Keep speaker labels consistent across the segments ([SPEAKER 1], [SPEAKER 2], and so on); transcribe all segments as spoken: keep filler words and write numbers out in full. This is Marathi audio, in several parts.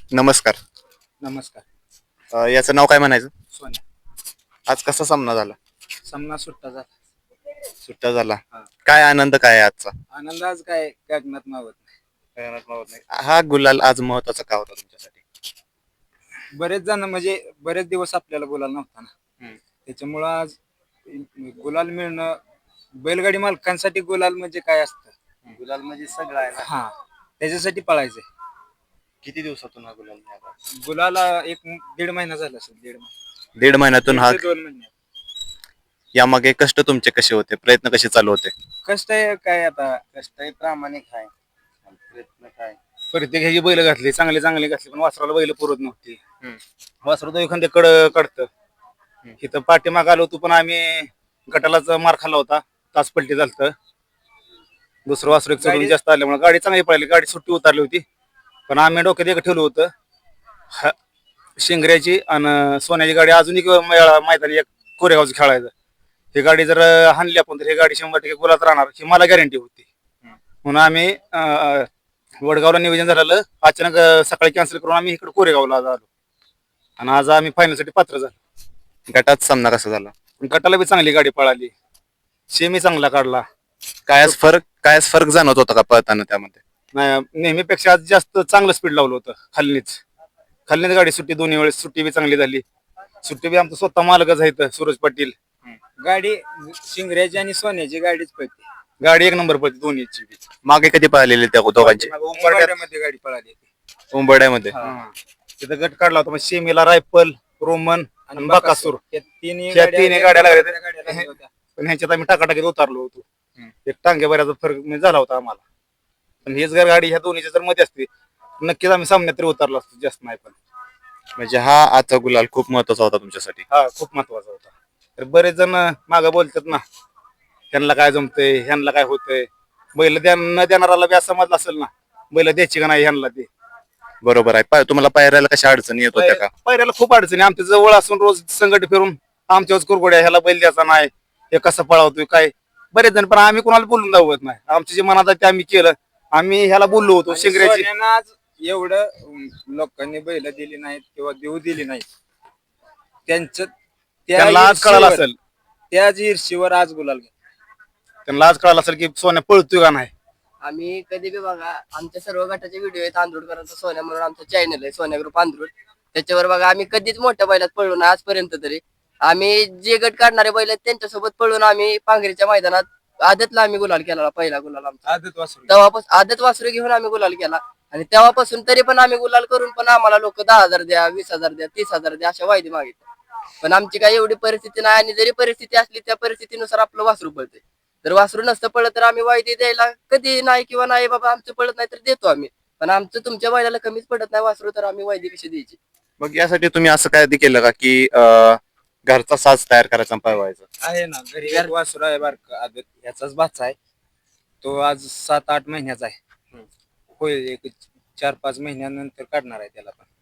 [SPEAKER 1] नमस्कार.
[SPEAKER 2] नमस्कार.
[SPEAKER 1] अ, याचं नाव काय म्हणायचं?
[SPEAKER 2] सोन्या.
[SPEAKER 1] आज कसा सामना झाला?
[SPEAKER 2] सामना सुट्टा झाला.
[SPEAKER 1] सुट्टा झाला.
[SPEAKER 2] हा.
[SPEAKER 1] काय आनंद काय आहे आजचा?
[SPEAKER 2] आनंद आज काय गगनात मावत नाही.
[SPEAKER 1] कळणार मावत नाही. हा गुलाल आज महत्वाचा का होता तुमच्यासाठी?
[SPEAKER 2] बरेच जण म्हणजे बरेच दिवस आपल्याला बोलायला नव्हता ना.
[SPEAKER 1] हम्म.
[SPEAKER 2] त्याच्यामुळं आज गुलाल मिळणं बैलगाडी मालकांसाठी गुलाल म्हणजे काय असतं?
[SPEAKER 1] गुलाल म्हणजे सगळं आहे ना.
[SPEAKER 2] हा, त्याच्यासाठी पळायचंय.
[SPEAKER 1] किती दिवसातून हा गुलाल मिळाला?
[SPEAKER 2] गुलाला एक दीड महिना झाला असेल. दीड महिना
[SPEAKER 1] दीड महिन्यातून
[SPEAKER 2] दीड
[SPEAKER 1] हा.
[SPEAKER 2] ते दोन महिने
[SPEAKER 1] यामागे कष्ट तुमचे कसे होते? प्रयत्न कसे चालू होते?
[SPEAKER 2] कष्ट आहे काय आता,
[SPEAKER 3] कष्ट आहे, प्रामाणिक आहे. प्रयत्न काय
[SPEAKER 2] प्रत्येक ह्याची बैल घातली, चांगले चांगले घातली, पण वासराला बैल पुरत नव्हती.
[SPEAKER 1] हम्म.
[SPEAKER 2] वासरू तो एखाद्या कड काढतं. इथं पाठीमाग आलो होतो, पण आम्ही गटालाच मार खाल्ला होता. तास पलटी झालत. दुसरं वासरू एक चढून जास्त आल्यामुळे गाडी चांगली पळाली. गाडी सुट्टी उतारली होती, पण आम्ही डोक्यात एक ठेवलं होतं, हा, शिंगऱ्याची आणि सोन्याची गाडी अजून एक वेळा मैदानी एक कोरेगावचं खेळायचं. ही गाडी जर हाणली आपण तर ही गाडी शंभर टक्के गुलात राहणार ही मला गॅरंटी होती. म्हणून आम्ही अं, वडगावला नियोजन झालेलं, अचानक अं, सकाळी कॅन्सल करून आम्ही इकडे कोरेगावला आलो आणि आज आम्ही फायनलसाठी पात्र झालो.
[SPEAKER 1] गटात सामना कसा झाला?
[SPEAKER 2] गटाला बी चांगली गाडी पळाली, सेमी चांगला काढला.
[SPEAKER 1] काय आज फरक काय आज फरक जाणवत होता का पळताना त्यामध्ये?
[SPEAKER 2] नाही, नेहमीपेक्षा आज जास्त चांगलं स्पीड लावलं होतं. खालनीच खालनीच गाडी सुट्टी, दोन्ही वेळेस सुट्टी बी चांगली झाली. सुट्टी बी आमचं स्वतः मालकच आहेत, सूरज पाटील. गाडी शिंगऱ्याची आणि सोन्याची गाडीच पळते. गाडी एक नंबर पळते दोन्हीची बी.
[SPEAKER 1] मागे कधी पळालेली त्या दोघांची?
[SPEAKER 2] उंबरठ्यामध्ये गाडी पळाली.
[SPEAKER 1] उंबरड्यामध्ये.
[SPEAKER 2] तिथं गट काढला होता, मग सेमीला रायफल, रोमन आणि बाकासूर
[SPEAKER 3] या तिन्ही
[SPEAKER 2] या तिन्ही गाड्या लागल्या
[SPEAKER 3] गाड्या
[SPEAKER 2] होत्या. पण ह्याच्यात आम्ही टाकाटाकीत उतारलो होतो. एक टांग्या बऱ्याचा फरक म्हणजे झाला होता आम्हाला. पण हेच जर गाडी ह्या दोन्हीच्या जर मध्ये असते नक्कीच आम्ही सामन्यात तरी उतरलो असतो, जास्त नाही पण.
[SPEAKER 1] म्हणजे हा आजचा गुलाल खूप महत्वाचा होता तुमच्यासाठी.
[SPEAKER 2] हा, खूप महत्वाचा होता. तर बरेच जण मागं बोलतात ना, ह्यांना काय जमतंय, ह्यांना काय होतंय. बैल द्या न देणाराला बी असं समजलं असेल ना, बैल द्यायची का नाही ह्यांना ते.
[SPEAKER 1] बरोबर आहे. पाय- तुम्हाला पायऱ्याला कशा अडचणी येत होत्या का?
[SPEAKER 2] पायऱ्याला खूप अडचणी. आमच्या जवळ असून रोज संकट फिरून आमच्यावर कुरगोड्या, ह्याला बैल द्यायचा नाही, हे कसं पळावतोय काय. बरेच जण, पण आम्ही कोणाला बोलून दावत नाही. आमच्या जे मनात आहे ते आम्ही केलं. आम्ही ह्याला बोललो होतो शिंगऱ्याची. आज एवढं लोकांनी बैल दिली नाहीत किंवा देऊ दिली नाहीत, त्यांचं त्यांना आज कळालं असेल. त्याच ईर्षीवर आज गुलाल घ्या. त्यांना आज कळालं असेल की सोन्या पळतोय का नाही.
[SPEAKER 3] आम्ही कधी बी बघा, आमच्या सर्व गटाचे व्हिडिओ आहेत. आंधरुडकरांचा सोन्या म्हणून आमचं चॅनल आहे, सोन्या ग्रुप आंधरुड. त्याच्यावर बघा आम्ही कधीच मोठ्या बैलात पळलो नाही आजपर्यंत तरी. आम्ही जे गट काढणारे बैल आहेत त्यांच्यासोबत पळून आम्ही पांगरीच्या मैदानात आदतला आम्ही गुलाल केला, पहिला गुलाल आमचा.
[SPEAKER 2] आदत वासरू
[SPEAKER 3] तेव्हापासून आदत वासरू घेऊन आम्ही गुलाल केला आणि तेव्हापासून तरी पण आम्ही गुलाल करून पण आम्हाला लोक दहा हजार द्या, वीस हजार द्या, तीस हजार द्या अशा वायदे मागितले. पण आमची काही एवढी परिस्थिती नाही, आणि जरी परिस्थिती असली त्या परिस्थितीनुसार आपलं वासरू पळते. जर वासरू नसतं पळत तर आम्ही वायदे द्यायला कधी नाही, किंवा नाही बाबा आमचं पळत नाही तर देतो आम्ही. पण आमचं तुमच्या बैलाला कमीच पडत नाही वासरू, तर आम्ही वायदे कशी द्यायची.
[SPEAKER 1] मग यासाठी तुम्ही असं काय केलं का की अं, घरचा साज तयार करायचा आणि पळवायचा?
[SPEAKER 2] आहे ना, घरी एक वासरू आहे बारका आदत, ह्याचाच बाचा आहे. तो आज सात आठ महिन्याचा आहे. होईल एक चार पाच महिन्यानंतर काढणार आहे त्याला पण.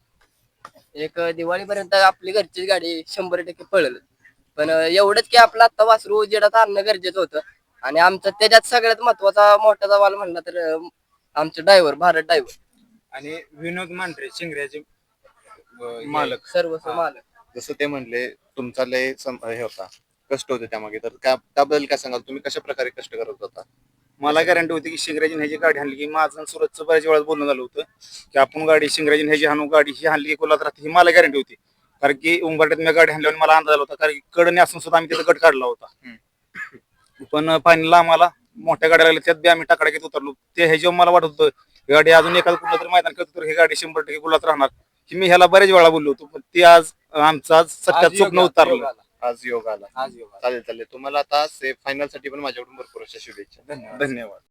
[SPEAKER 3] एक दिवाळीपर्यंत आपली घरची गाडी शंभर टक्के पळेल. पण एवढंच की आपलं आता वासरू उजेडात आणणं गरजेचं होतं. आणि आमचं त्याच्यात सगळ्यात महत्वाचा मोठा सवाल म्हणला तर अं, आमचे ड्रायव्हर, भारत ड्रायव्हर
[SPEAKER 2] आणि विनोद मांढरे शिंगऱ्याचे अं,
[SPEAKER 3] मालक, सर्वस्व मालक.
[SPEAKER 1] जसं ते म्हणले तुमचा लय सम- हे होता, कष्ट होते त्यामागे, तर त्या- त्याबद्दल काय सांगाल? तुम्ही कशा प्रकारे कष्ट करत होता?
[SPEAKER 2] मला गॅरंटी होती की शिंगराजी ह्याची गाडी हाणली की माझं आणि सुरतचं बऱ्याच वेळा बोलणं झालं होतं की आपण गाडी शिंगराजी ह्याची हाणू, गाडी ही हाणली की कोल्हात राहते, ही मला गॅरंटी होती. कारण की उंबरट्यात मी गाडी हाणल्यावर मला अंदाज आला होता, कारण की कडने असून सुद्धा आम्ही तिथं गट काढला होता. पण फायनलला आम्हाला मोठ्या गाड्या लागल्या, त्यात बी आम्ही टाकडाकीत उतरलो. ते ह्याच्यावर मला वाटत होतं गाडी अजून एखादं कुठलं तरी मैदान करतो तर ही गाडी शंभर टक्के गुलात राहणार, की मी ह्याला बरेच वेळा बोललो होतो. पण ते आज आमचं आज सत्यात स्वप्न उतरलं.
[SPEAKER 1] आज योग आला.
[SPEAKER 2] आज योग आला.
[SPEAKER 1] चालेल चालेल. तुम्हाला आता फायनल साठी पण माझ्याकडून भरपूर अशा शुभेच्छा.
[SPEAKER 2] धन्यवाद.